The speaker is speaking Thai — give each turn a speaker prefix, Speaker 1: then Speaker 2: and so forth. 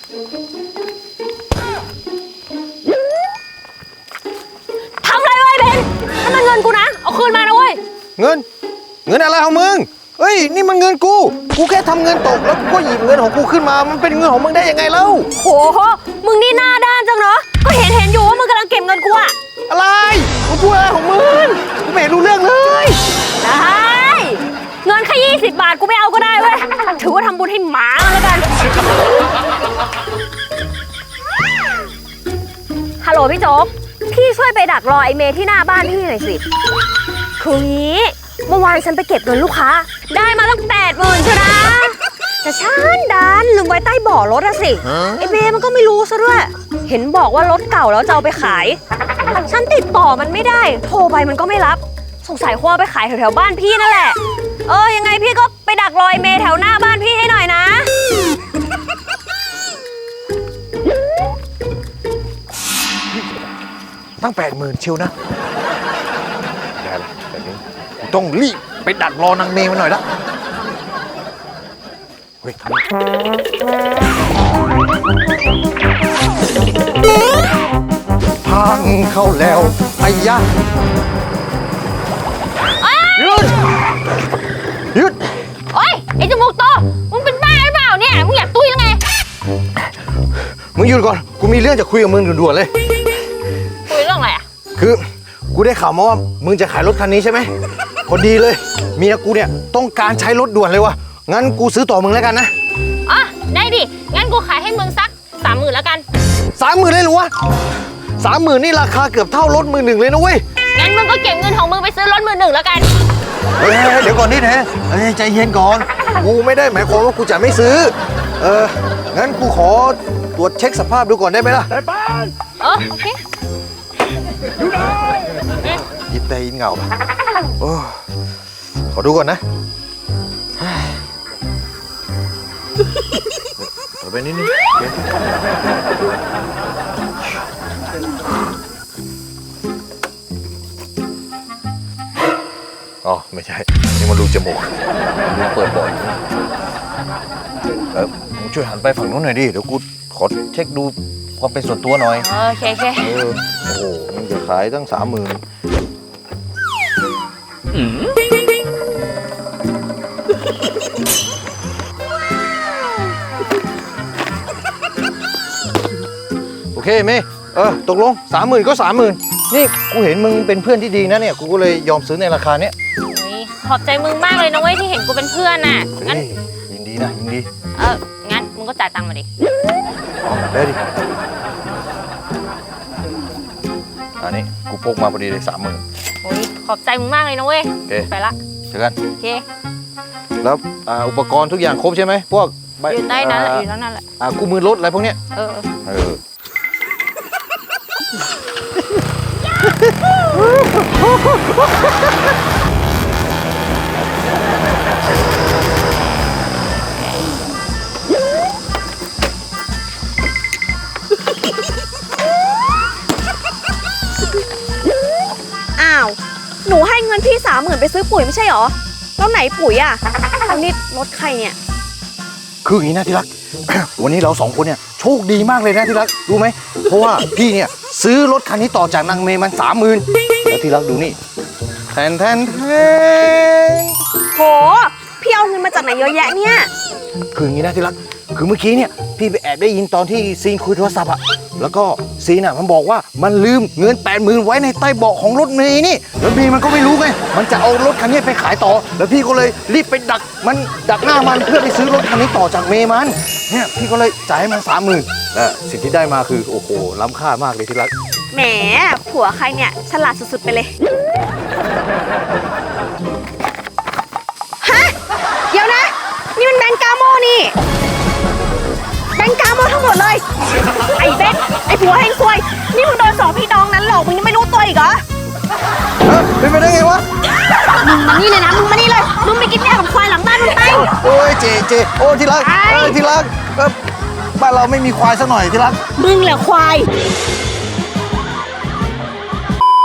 Speaker 1: ทำอะไรไว้เบนนั่นมันเงินกูนะเอาคืนมานะเว้ย
Speaker 2: เงินอะไรของมึงเฮ้ยนี่มันเงินกูแค่ทำเงินตกแล้วกูก็หยิบเงินของกูขึ้นมามันเป็นเงินของมึงได้ยังไงเล่า
Speaker 1: โหมึงนี่หน้าด้านจังเนาะก็เห็นอยู่ว่ามึงกำลังเก็บเงินกูอะ
Speaker 2: อะไรมึงพูดอะไรของมึงกูไม่รู้เรื่องเลย
Speaker 1: ได้เงินแค่20 บาทกูไม่เอาก็ได้เว้ยถือว่าทำบุญให้หมาแล้วกันฮัลโหลพี่โจ๊กพี่ช่วยไปดักรอไอเมย์ที่หน้าบ้านพี่หน่อยสิคืองี้เมื่อวานฉันไปเก็บเงินลูกค้าได้มาตั้ง80,000ใช่ไหมแต่ฉันดันลืมไว้ใต้เบาะรถอะสิไอเมย์มันก็ไม่รู้ซะด้วยเห็นบอกว่ารถเก่าแล้วจะเอาไปขายฉันติดต่อมันไม่ได้โทรไปมันก็ไม่รับสงสัยคงเอาไปขายแถวบ้านพี่นั่นแหละยังไงพี่ก็ไปดักรอไอเมย์แถวหน้าบ้านพี่ให้หน่อยนะ
Speaker 2: ตั้ง80,000เชียวนะได้ละแบบนี้กูต้องรีบไปดักรอนางเมย์มันหน่อยละเฮ้ยพังเข้าแล้วไอ้ยะหยุด
Speaker 1: โอ๊ยไอ้จมูกโตมึงเป็นบ้าหรือเปล่าเนี่ยมึงอยากตุ้ยยังไง
Speaker 2: มึงหยุดก่อนกูมีเรื่องจะคุยกับมึงด่วนๆเลย
Speaker 1: คุยเรื่องอะไรอ่ะ
Speaker 2: คือกูได้ข่าวมาว่ามึงจะขายรถคันนี้ใช่ไหมพอดีเลยเมียกูเนี่ยต้องการใช้รถด่วนเลยวะงั้นกูซื้อต่อมึงแล้วกันนะ
Speaker 1: อ๋อได้ดิงั้นกูขายให้มึงสัก30,000แล้วกัน
Speaker 2: 30,000เลยหรอวะ30,000นี่ราคาเกือบเท่ารถ11,000เลยนะเว้ย
Speaker 1: งั้นมึงก็เก็บเงินของมึงไปซื้อรถ11,000แล้วกัน
Speaker 2: เดี๋ยวก่อนนี่นะใจเย็นก่อนกูไม่ได้หมายความว่ากูจะไม่ซื้องั้นกูขอตรวจเช็คสภาพดูก่อนได้ไหมล่ะ
Speaker 1: ได้ป้านโอเค
Speaker 2: อยู่ได้ยิบแต่ยินเงาขอดูก่อนนะเดี๋ยวไปนิดนึงอ๋อไม่ใช่นี่มันรูจมูกรูเปิดบ่อยมึงช่วยหันไปฝั่งนู้นหน่อยดิเดี๋ยวกูขอเช็คดูความเป็นส่วนตัวหน่อย
Speaker 1: โอเค
Speaker 2: โอ้โหมึงจะขายตั้ง30,000โอเคเมย์ตกลง30,000ก็30,000นี่กูเห็นมึงเป็นเพื่อนที่ดีนะเนี่ยกูก็เลยยอมซื้อในราคาเนี้ย
Speaker 1: ขอบใจมึงมากเลยนะเว้ยที่เห็นกูเป็นเพื่อนน่ะ
Speaker 2: งั้นยินดีนะยินดี
Speaker 1: งั้นมึงก็จ่ายตังค์มาดิ
Speaker 2: ได้ดิอันนี้กูพกมาพอดีเลย30,000
Speaker 1: โอ้ยขอบใจมึงมากเลยนะเว้ยไปละ
Speaker 2: เจอกัน
Speaker 1: โอเค
Speaker 2: แล้วอุปกรณ์ทุกอย่างครบใช่ไหมพวก
Speaker 1: อยู่ใต้นั้นแหละอยู่นั่นแหละ
Speaker 2: กู้มือรถอะไรพวกเนี้ย
Speaker 1: อ้าวหนูให้เงินพี่30,000ไปซื้อปุ๋ยไม่ใช่หรอแล้วไหนปุ๋ยอ่ะอันนี้รถใครเนี่ย
Speaker 2: คืออย่างนี้นะที่รัก วันนี้เรา2คนเนี่ยโชคดีมากเลยนะที่รักรู้ไหมเพราะว่าพี่เนี่ยซื้อรถคันนี้ต่อจากนางเมย์มัน30,000แล้วที่รักดูนี่แทน
Speaker 1: โหพี่เอาเงินมาจากไหนเยอะแยะเนี่ย
Speaker 2: คืออย่างนี้นะที่รักคือเมื่อกี้เนี่ยพี่ไปแอบได้ยินตอนที่ซีนคุยโทรศัพท์อะแล้วก็ซีนอะมันบอกว่ามันลืมเงิน80,000ไว้ในใต้เบาะของรถเมย์นี่แล้วเมย์มันก็ไม่รู้ไงมันจะเอารถคันนี้ไปขายต่อแล้วพี่ก็เลยรีบไปดักหน้ามันเพื่อไปซื้อรถคันนี้ต่อจากเมย์มันเนี่ยพี่ก็เลยจ่ายให้มัน30,000และสิ่งที่ได้มาคือโอ้โหล้ำค่ามากเลยที่รัก
Speaker 1: แหมผัวใครเนี่ยฉลาดสุดๆไปเลยฮะเดี๋ยวนะนี่มันแบงก์กาโมนี่แบงก์กาโมทั้งหมดเลยไอ้เบนไอ้ผัวแห่งซวยนี่มึงโดน2พี่น้องนั้นหลอกมึงยังไม่รู้ตัวอีกเหรอ
Speaker 2: เป็นไปได้ไงวะ
Speaker 1: มึงมานี่เลยนะมึงมานี่เลยมึงไปกินแม่กับควายหลังบ้านมึงไป
Speaker 2: โอ้ยเจโอ้ที่รักที่รักบ้านเราไม่มีควายสักหน่อยที่รัก
Speaker 1: มึงแหละควาย